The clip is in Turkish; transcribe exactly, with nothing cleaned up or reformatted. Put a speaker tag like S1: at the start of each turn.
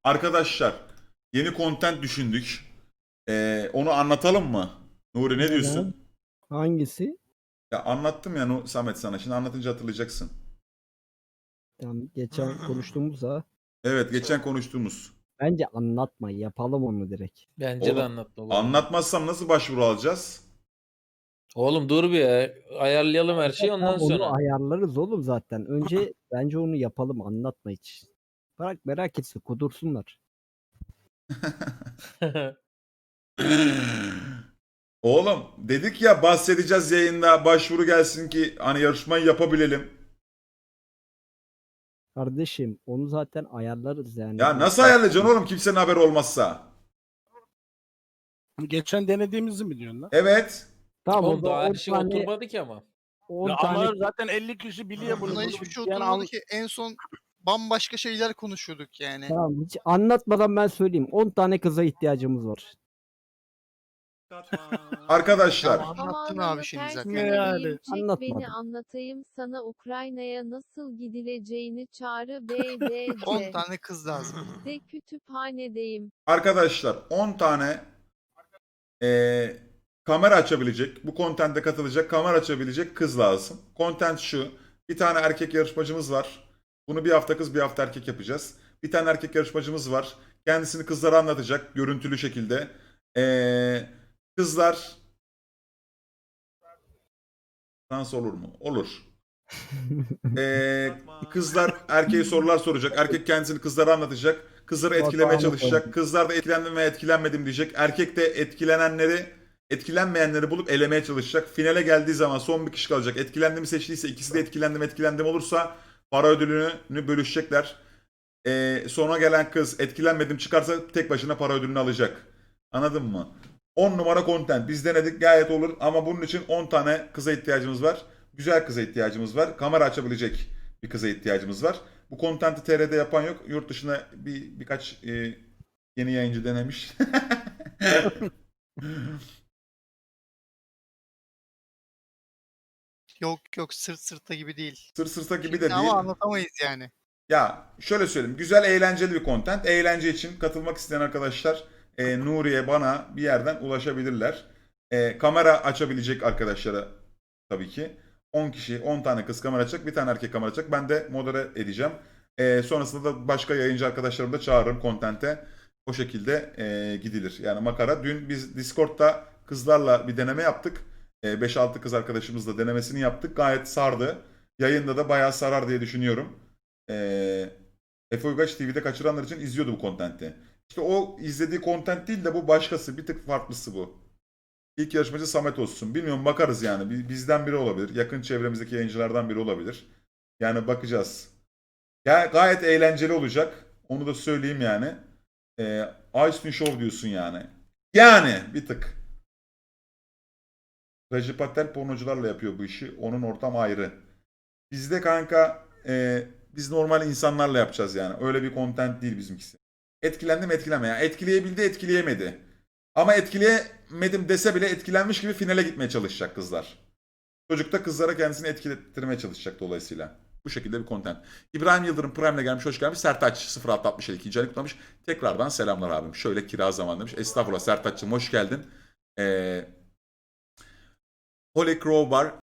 S1: Arkadaşlar yeni content düşündük. Ee, onu anlatalım mı? Nuri ne
S2: Neden?
S1: diyorsun?
S2: Hangisi?
S1: Ya anlattım ya Nu- Samet sana. Şimdi anlatınca hatırlayacaksın.
S2: Tam geçen konuştuğumuzda
S1: Evet, geçen konuştuğumuz.
S2: bence anlatma, yapalım onu direkt.
S3: Bence de
S1: Oğlum
S3: anlatma bu arada.
S1: anlatmazsam nasıl başvuru alacağız?
S3: Oğlum dur bir ya. Ayarlayalım her şeyi ondan
S2: Tamam, onu
S3: sonra.
S2: ayarlarız oğlum zaten. Önce bence onu yapalım, anlatma hiç. Bırak merak etsin, kudursunlar.
S1: Oğlum dedik ya bahsedeceğiz yayında başvuru gelsin ki hani yarışmayı yapabilelim.
S2: Kardeşim onu zaten ayarlarız yani.
S1: Ya
S2: O
S1: nasıl ayarlayacaksın oğlum kimsenin haberi olmazsa?
S4: Geçen denediğimizi mi diyorsun lan?
S1: Evet.
S2: Tamam, o
S3: Oğlum
S2: zaman
S3: daha her
S2: on
S3: şey
S2: tane,
S3: oturmadı ki ama.
S2: on
S4: Ya
S2: tane
S4: ama zaten elli kişi biliyor bunu.
S5: Buna
S4: Bunu
S5: hiçbir şey
S4: yani
S5: oturmadı
S4: an-
S5: ki. En son bambaşka şeyler konuşuyorduk yani.
S2: tamam, hiç anlatmadan ben söyleyeyim. on tane kıza ihtiyacımız var.
S1: Arkadaşlar
S5: Tamam. Anlattın
S6: Zamanını
S5: abi şimdi
S6: ters
S5: zaten.
S4: Ne
S6: çevireyim,
S4: yani?
S6: çek
S2: Anlatmadım.
S6: beni anlatayım sana Ukrayna'ya nasıl gidileceğini çağrı B D
S5: on
S6: C.
S5: tane kız lazım.
S6: De kütüphanedeyim.
S1: arkadaşlar on tane eee, kamera açabilecek, bu content'e katılacak kamera açabilecek kız lazım. Content şu. Bir tane erkek yarışmacımız var. Bunu bir hafta kız bir hafta erkek yapacağız. Bir tane erkek yarışmacımız var. Kendisini kızlara anlatacak görüntülü şekilde. Eee, kızlar dans olur mu? Olur. Eee, kızlar erkeğe sorular soracak. Erkek kendisini kızlara anlatacak. Kızları etkilemeye
S2: Batuhan'ı
S1: çalışacak.
S2: koydum.
S1: Kızlar da etkilendim veya etkilenmedim diyecek. Erkek de etkilenenleri, etkilenmeyenleri bulup elemeye çalışacak. Finale geldiği zaman son bir kişi kalacak. Etkilendim seçtiyse ikisi de etkilendim etkilendim olursa para ödülünü bölüşecekler. Eee sona gelen kız etkilenmedim çıkarsa tek başına para ödülünü alacak. Anladın mı? on numara content. Biz denedik gayet olur ama bunun için on tane kıza ihtiyacımız var. Güzel kıza ihtiyacımız var. Kamera açabilecek bir kıza ihtiyacımız var. Bu content'i T R'de yapan yok. Yurt dışına bir birkaç e, yeni yayıncı denemiş.
S5: Yok yok sırt sırta gibi değil.
S1: Sır sırta gibi
S5: Şimdi
S1: de değil.
S5: ama anlatamayız yani.
S1: Ya şöyle söyleyeyim. Güzel eğlenceli bir content. Eğlence için katılmak isteyen arkadaşlar e, Nuriye bana bir yerden ulaşabilirler. E, kamera açabilecek arkadaşlara tabii ki. on kişi, on tane kız kamera açacak, bir tane erkek kamera açacak. Ben de modere edeceğim. E, sonrasında da başka yayıncı arkadaşlarımı da çağırırım content'e. O şekilde e, gidilir. Yani makara. Dün biz Discord'da kızlarla bir deneme yaptık. E, beş altı kız arkadaşımızla denemesini yaptık. Gayet sardı. Yayında da bayağı sarar diye düşünüyorum. Ee, Efe Uygaç T V'de kaçıranlar için izliyordu bu kontenti. İşte o izlediği content değil de bu başkası. Bir tık farklısı bu. İlk yarışmacı Samet olsun. Bilmiyorum bakarız yani. Bi- Bizden biri olabilir. Yakın çevremizdeki yayıncılardan biri olabilir. Yani bakacağız. Ya gayet eğlenceli olacak. Onu da söyleyeyim yani. Ee, Ice Show diyorsun yani. Yani bir tık. Recep Patel pornocularla yapıyor bu işi. Onun ortam ayrı. Bizde kanka e, biz normal insanlarla yapacağız yani. Öyle bir content değil bizimkisi. Etkilendim etkileme ya. Etkileyebildi etkileyemedi. Ama etkileyemedim dese bile etkilenmiş gibi finale gitmeye çalışacak kızlar. Çocuk da kızlara kendisini etkilettirmeye çalışacak dolayısıyla. Bu şekilde bir content. İbrahim Yıldırım Prime'le gelmiş, hoş gelmiş. Sertaç sıfır altı altmış yedi ikinci ayını kutlamış. Tekrardan selamlar abim. Şöyle kira zaman demiş. Estağfurullah Sertaç'cığım hoş geldin. Ee, Holy Crowbar